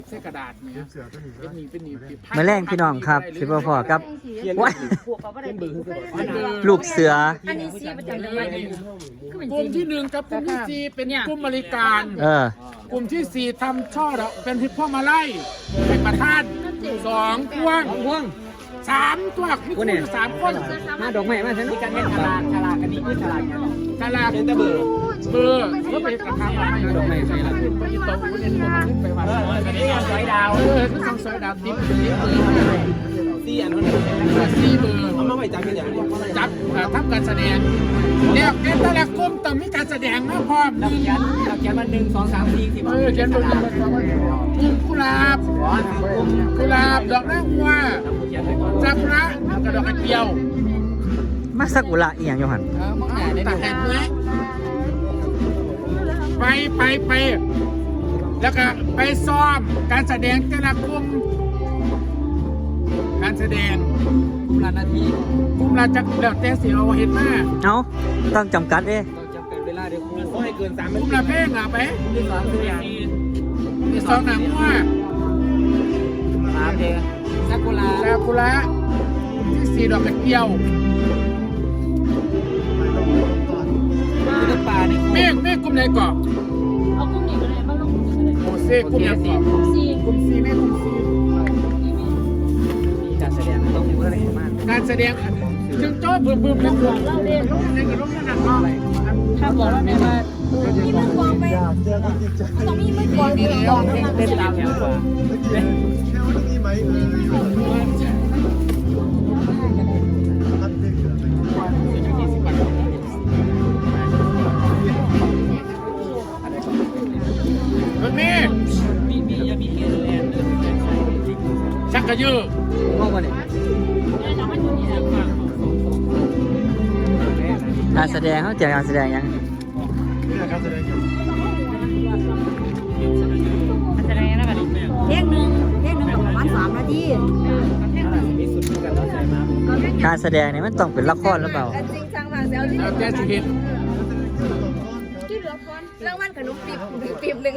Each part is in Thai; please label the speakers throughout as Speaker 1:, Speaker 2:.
Speaker 1: เส้กระดาษเนี่ยเป็นหนี
Speaker 2: มาแรงพี่น้องครับสิบ่พอครับว้ายลูกเสือ
Speaker 3: อันนี้ซีประจำเลย
Speaker 1: กลุ่มที่1กับกลุ่มที่4เป็นกลุ่มบริการ กลุ่มที่4ทำช่อดอกเป็นทิพพ่อมาไล่เป็นประธาน2พวง3ตัวมีคน3คน
Speaker 2: มาดอกไม้มาใช่ไหม
Speaker 1: กันเป็นฉลากอันนี้คือฉลากเป็นตะเบอร์ก็เป็นกระทำดอกไม้ใช่แล้วไปโต๊ะเนี่ยขึ้นไปวันอันนี้ยังสอยดาวต้องสอยดาวติ๊บ4 อันนั้น4 เบอร์เอามาไว้จับเป็นอย่างนี้จับทำการแสดงเนี่ยแต่ละกลุ่มต้องมีการแสดงนะพร้อมเราเขียนมา1 2 3 4 10เขียนบนกุหลาบดอกนางวัวจักระกระดอกกระเจียว
Speaker 2: มาสักุระอีหยังอยู่หั่น
Speaker 1: ตัดแหกเนื้อไปแล้วก็ไปซ้อมการแสดงแต่ละกลุ่มการแสดงกลุ่มละนาทีกลุ่มละจักแล้วแต่สิเอาเห็นมา
Speaker 2: เอาต้องจำกัด
Speaker 1: ต้องจำกัดเวลาเดี๋ยวครูขอให้เกิน3 นาทีกลุ่มละเพลงไปมี2 หนังว่า3 เพลงซากุระที่4 ดอกกระเจียวเมฆกลุ่มไหนก่อน
Speaker 3: เอากลุ่มนี้ก็ได้บ้างลงกลุ่มนี้ก็ได้
Speaker 1: โอเซ่กลุ่มไหนก่อนกลุ่ม C เมฆกลุ่ม C การแสดงต้องมีอะไรมากการแสดงถึงโจ้บึ้มแล้วเล่าเล่นลงในกระโดดนั่นน่ะถ้าบอกว่าแม่ว่า
Speaker 3: มีมือกองไปต้องมีมือกองมีกอง
Speaker 1: เต้นตามอย่างกว่าชักกระยือมองมาเนี่ย
Speaker 2: การแสดงเขาเจอการแสดงยัง
Speaker 3: เพลงหนึ่งประมาณ3 นาที
Speaker 2: การแสดงเนี่ยมันต้องเป็นละครหรือเปล่า
Speaker 3: จริงจังมากแล้ว
Speaker 1: แกสิเห็น
Speaker 3: รางวัลขนมปีบ1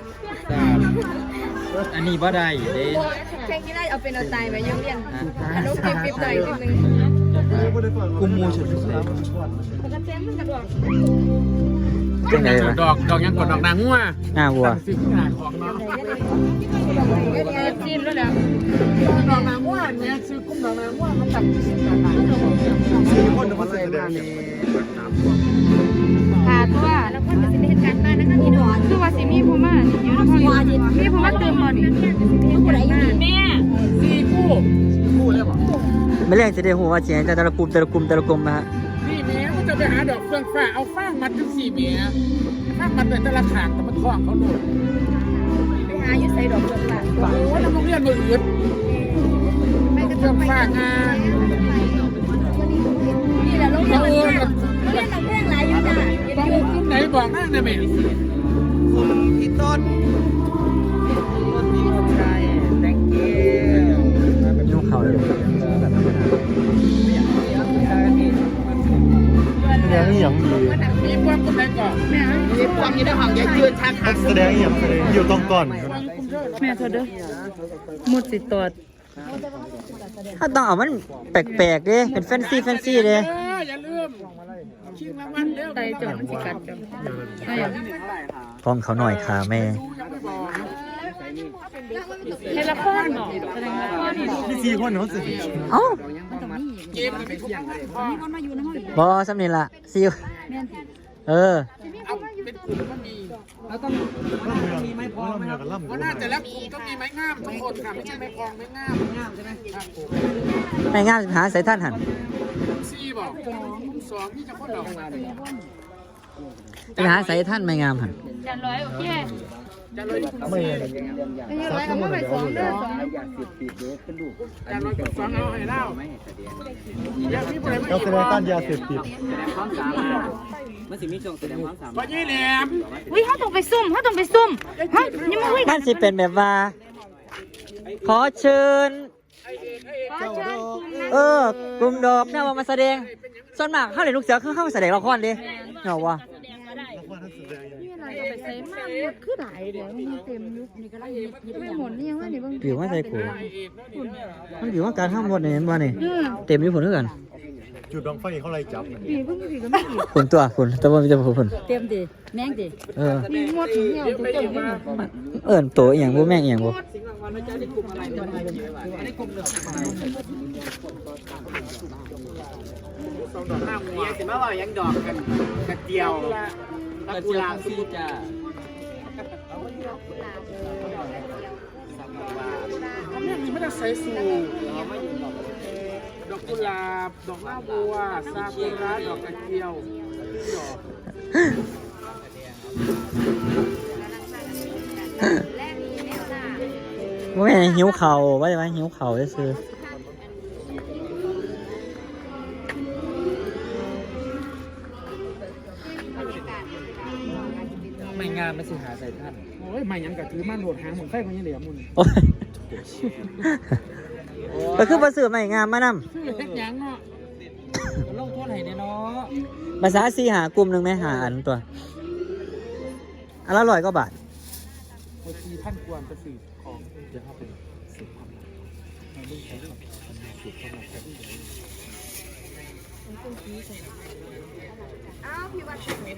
Speaker 2: อันนี้บ่ได้เด้
Speaker 3: แข่งที่ได้เอาเป็นเอาตายไปยังเรียนขนมปีบหน่อยปีบ1
Speaker 2: กุมมูชุด
Speaker 3: ปกติมันกระโดด
Speaker 1: จังไงดอกยังกดดอกนางงัว
Speaker 2: วัว
Speaker 1: สิขนาดของเนาะ
Speaker 3: จิ้มแล้วแหละ
Speaker 1: ดอกนางงัวเนี่ยซื้อกุ้งดอกนางงัวมันตัดคนมาใส่มาเนี่ย
Speaker 3: ค่ะตัวแล้วก็จะเป็นเหตุการณ์บ้านนะคะพี่ดอนคือว่าสิมีผู้มาอยู่ในห้องมีผู้มาเติมมานี่ผู้ใดอยู่แม่
Speaker 1: 4 คู่เลยบ่
Speaker 2: ไม่เล่นจะได้หัวว่าเสียงแต่ละกลุ่มนะฮะ
Speaker 1: นี่แม่ก็จะไปหาดอกเฟืองฟ้าเอาฟางมัดถึง4 เมตรฟางมัดไปแต่ละขางแต่มันคล้องเขาโดน
Speaker 3: ไปหาอยู่ใส่ดอกเฟืองฟ้า
Speaker 1: โอ้ยน้ำโรงเรียนมืออื่นไม่กระเฟืองฟ้างาน
Speaker 3: นี่แหละโรงเรียนเราเรื่องหลายอยู่จ้ะ
Speaker 1: ต้องกลุ่มไหนบอกนั่งนะแม่พี่ต้นใช่ thank you
Speaker 2: ยุ่งเขาเลยแสดงอย่างดี
Speaker 1: มีพวกกลุ่มไหนก่อนมีพวกนี้ได้ห้องยืนชัก
Speaker 4: แสดงอย่างอยู่ตรงก่อน
Speaker 3: แม่เธอเด้อหมดสิตอด
Speaker 2: ถ้าต้องเอามันแปลกๆดิเป็นแฟนซีเลย
Speaker 1: อย่าลืมชิงรางวัลเร็ว
Speaker 3: ใจจดมันสิกัดจัง
Speaker 2: ฟ้องเขาหน่อยค่ะแม่
Speaker 3: ในละครบอกแสดงละคร
Speaker 4: นี่4 คนเขาสิ
Speaker 2: เอ้า
Speaker 1: เกมมันไม่เที่ยงเลย
Speaker 2: บอสำเนียงละซิว
Speaker 1: เอาเป็นกลุ่มก็มีแล้วต้องมีไม้พองไหมครับว่าน่าจะแล้วกลุ่มต้องมีไม้งามทุกคนค่ะไม่ใช่ไม้พองไม้งามใช่ไหม
Speaker 2: ไม้งามหาใส่ท่านหัน
Speaker 1: 4บอก2นี่จะคนเรา
Speaker 2: ไปหาใส่ท่านไม้งามหัน
Speaker 3: จันร้อยโอเค
Speaker 1: จันร้อย
Speaker 4: ไม่
Speaker 3: เอามาไป2เด้อ
Speaker 1: จันร้อยกับ2เอาให้เล่า
Speaker 4: เราแสดงต้านยาเสพติด
Speaker 1: มันสิมีช่วงแสดงความสามารถวันนี้แหลม
Speaker 3: เขาต้องไปซุ่มฮะยังไม่คุย
Speaker 2: มันสิเป็นแบบว่าขอเชิญกลุ่มดอกเนี่ยว่ามาแสดงส่วนมากเขาเล่นลูกเสือคือเข้ามาแสดงละครดิเหรอวะ
Speaker 3: ใส่มากหมดคือหลายเดี๋ยวมันเต็มยุคนี่ก็ไล่ไม่หมดนี่ยังว่านี่เบิ่ง
Speaker 2: ผิวมาใส่กูมันผิวว่าการห้ามหมดเนี่ยเห็นบ่นี่เต็มอยู่ผลด้วยกัน
Speaker 4: จุดดองไฟเขาไล่จับ
Speaker 3: ปีเพิ่งปีก็ไม่กี่
Speaker 2: ผลตัวผลแต่ว่ามีแต่ผล
Speaker 3: เต็มดิแม่งดิ มีหมดเหี่ยวตัวเต็มไปหมด
Speaker 2: เอิ้นโตอีหยังบ่แม่งอีหยังบ่
Speaker 1: สองดอกห้าหัวสิมาว่ายังดอกกันกระเจียวตะกุลาซีจ้าเขาไม่ได้ใส่สูดอกกุหลาบดอกหน้าบัวซากุระดอกกระเจียวดอก
Speaker 2: บ่แม่นหิวข้าวว่าจะว่าหิวข้าวซื่อไม่งามไม่สิหาใส่ท่าน
Speaker 1: โอ้ยไม่ยังกะถือมันโหดหางหมุนไฟมันยังเหลือมุน
Speaker 2: โอ้ยก็คือบ่ซื้อไม่งามมานำ
Speaker 1: ชื่อเฮ็ดยังเนาะลงโทษให้เนาะ
Speaker 2: ภาษา4หากลุ่มนึงแม่หาอันตัวอันละ100กว่าบาท
Speaker 1: โอ้ย4,000 กว่าจะซื้อของเดี๋ยวเข้าไปซื้อความลับมาดูใช้ความสุขความลับกัน
Speaker 3: อ้าวพี่วัด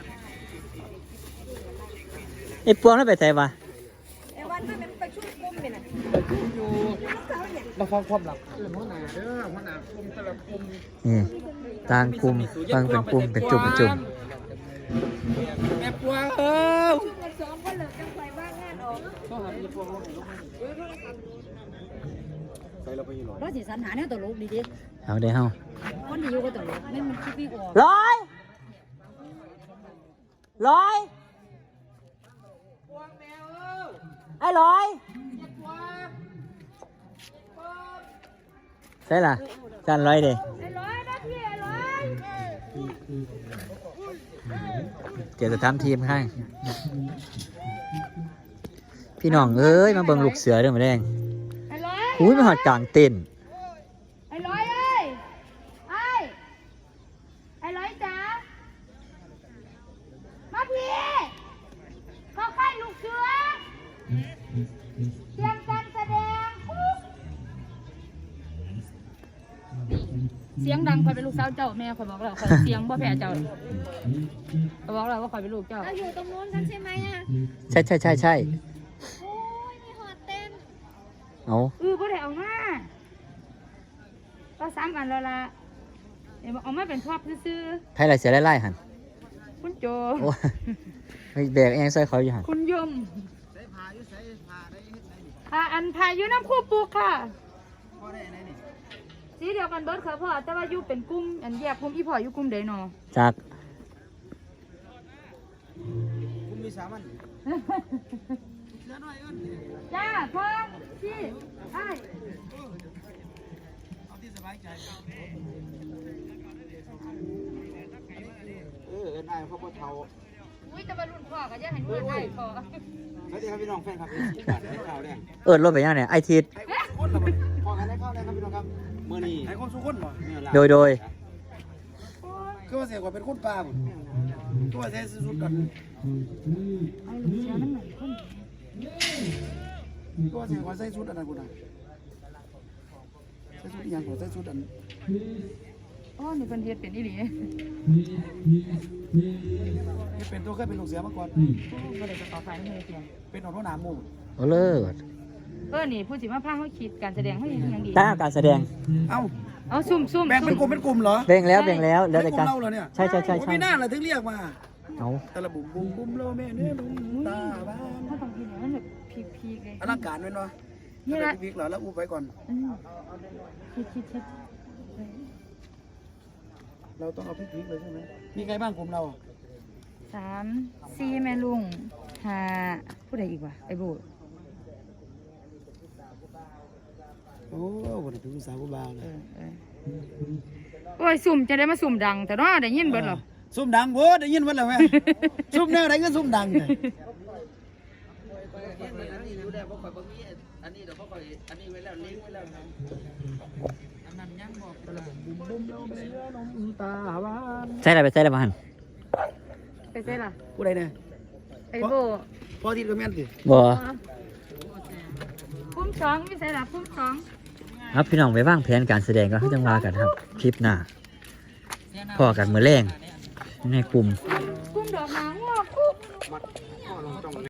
Speaker 2: ไอ้ปวงนั่นไปไสวะ
Speaker 3: ไอ้วันมันไปช่วยกุ้มเป็นอ่ะ
Speaker 1: อยู่เราฟังความลับเรื่องหัวหน้าเด้อหัวหน้ากลุ่มแต่ละกลุ่ม
Speaker 2: นี่ต่างกลุ่มฟังเป็นกลุ่มเป็นจุ่มเป็นจุ่ม
Speaker 1: แม่ปวงเออ
Speaker 3: มันซ้อมก็เลิกกันไปว่างงานออก
Speaker 1: ก็หาพี่ปวงลงให้ลงให้
Speaker 3: เราสิสรรหาเนี่ยตลกดีดิ
Speaker 2: เอาเด้เฮา
Speaker 3: คนที่อยู่ก็ตลกไม่มันคิดไม่ออก
Speaker 2: ร้อยไอ้ร้อยใช่ล่ะจานร้อยเด้
Speaker 3: ไอ้ร้อยนะพี่ไอ้ร้อย
Speaker 2: เดี๋ยวจะทำทีมให้พี่น้องเอ้ยมาเบิ่งลูกเสือเด้อมาแดง
Speaker 3: ไอ้ร้อย
Speaker 2: อุ้ยมาหอดกลางเต้น
Speaker 3: ไอ้ร้อยเอ้ยไอ้ร้อยจ๋ามาพี่เขาค่ายลูกเสือเตรียมการแสดงเสียงดังคอยเป็นลูกสาวเจ้าแม่คอยบอกแล้วคอยเสียงบ่แพ้เจ้าคอยบอกแล้วว่าคอยเป็นลูกเจ้าเราอยู่ตรงนู้นกันใช่ไหมอ่ะ
Speaker 2: ใช่
Speaker 3: โอ้ยมีหอดเต็ม
Speaker 2: เอา
Speaker 3: บ่ได้เอามาก็3อันแล้วล่ะเดี๋ยวเอามาเป็นทอบซื่อ
Speaker 2: ไพ่ไรเสียไล่หัน
Speaker 3: ๆคุณโจ
Speaker 2: โอ้ยแบกเองใส่เขาอยู่หัน
Speaker 3: คุณยมอันพายุน้ำคู่ปลูกค่ะสีเดียวกันเบิร์ดค่ะพ่อแต่ว่าอยู่เป็นกลุ่มอันแยกกลุ่มอีพ่ออยู่กลุ่มใดหนอ
Speaker 2: จาก
Speaker 1: คุณมีสามัญ
Speaker 3: จ้าพ่อพี่ไอ้
Speaker 1: เอาที่สบายใจได้เพราะว่าเทา
Speaker 3: อุ้ยจะมารุ่นพ่อก็จะให้รุ่นไอ้พ่อ
Speaker 1: สวัสดีครับพี่น้องแฟนครับที่บัตรให้ข่าวแดง
Speaker 2: รถไปยังเนี่ยไอทิศ
Speaker 1: คนละพอกันได้เข้าได้ครับพี่น้องครับเมื่อนี้ให้คนสุขคนบ่
Speaker 2: โดย
Speaker 1: คือว่าเสียกว่าเป็นคนป่าหมดตัวเสียสุดกัน
Speaker 3: ไอ้ลูกเสือมันหน่อยคน
Speaker 1: ตัวเสียกว่าใส่ชุดอันนั้นกูนะใส่ชุดอย่างกว่าใส่ชุดอัน
Speaker 3: อ๋อนี่เป็นเฮ็ดเป็นอีหลี
Speaker 1: ที่เป็นตัวเคยเป็นลูกเสือมาก่อน
Speaker 3: ก็เลยจะขอไฟให้เพียง
Speaker 1: เป็นหัวหน้าหมู่
Speaker 2: โอ้เลิศ
Speaker 3: นี่ผู้สิมาพาเขาคิดการแสดงเขาอย่างดี
Speaker 2: ตั้งการแสดง
Speaker 1: เอ้า
Speaker 3: เอาซุ่ม
Speaker 1: แบ่งเป็นกลุ่มเหรอ
Speaker 2: แบ่งแล้วแล้วแต่
Speaker 1: กลุ่
Speaker 2: การ
Speaker 1: มเราเหรอเนี่ย
Speaker 2: ใช่
Speaker 1: ไม่น่าเลยถึงเรียกมา
Speaker 2: เอา
Speaker 1: แต่ละบุ่มโลแม่เนื้อลุงตาบ้าน
Speaker 3: ถ้าบางทีเนี่ยมันแบบพีกๆเลย
Speaker 1: อลังการไว้เนาะ
Speaker 3: นี่ละ
Speaker 1: พีกเหรอแล้วอู้ไปก่อน
Speaker 3: คิด
Speaker 1: เราต้องเอาพีกเลยใช่ไหมมีใครบ้างกลุ่มเรา
Speaker 3: 3 4แม่ลุง5ผู้ใดอีกวะไอ้โบ
Speaker 1: โอ้คนถึงสาวกูบ้าเลย
Speaker 3: โอ้ยสุ่มจะได้มาสุ่มดังแต่เนาะได้ยินเบิดหรอ
Speaker 1: ซุ่มดังโว้ได้ยินวันแล้วแม่ซุ่มแนวไหนก็ซุ่มดังเลย
Speaker 2: ใช่อะไรไปใช่อะไรมาหัน
Speaker 3: ไปเซ่ล่ะ
Speaker 1: กูได้เนี่ย
Speaker 3: ไอ้โบ
Speaker 1: พอที่ก็แม่นสิ
Speaker 2: บ่
Speaker 3: พุ่มสองมีใส่ละพุ่มสอง
Speaker 2: ครับพี่น้องไปวางแผนการแสดงก็จังว่ากันครับคลิปหน้าพอกันมื้อแรงในกลุ่ม
Speaker 3: พุ่มดอกไม้งอกคุก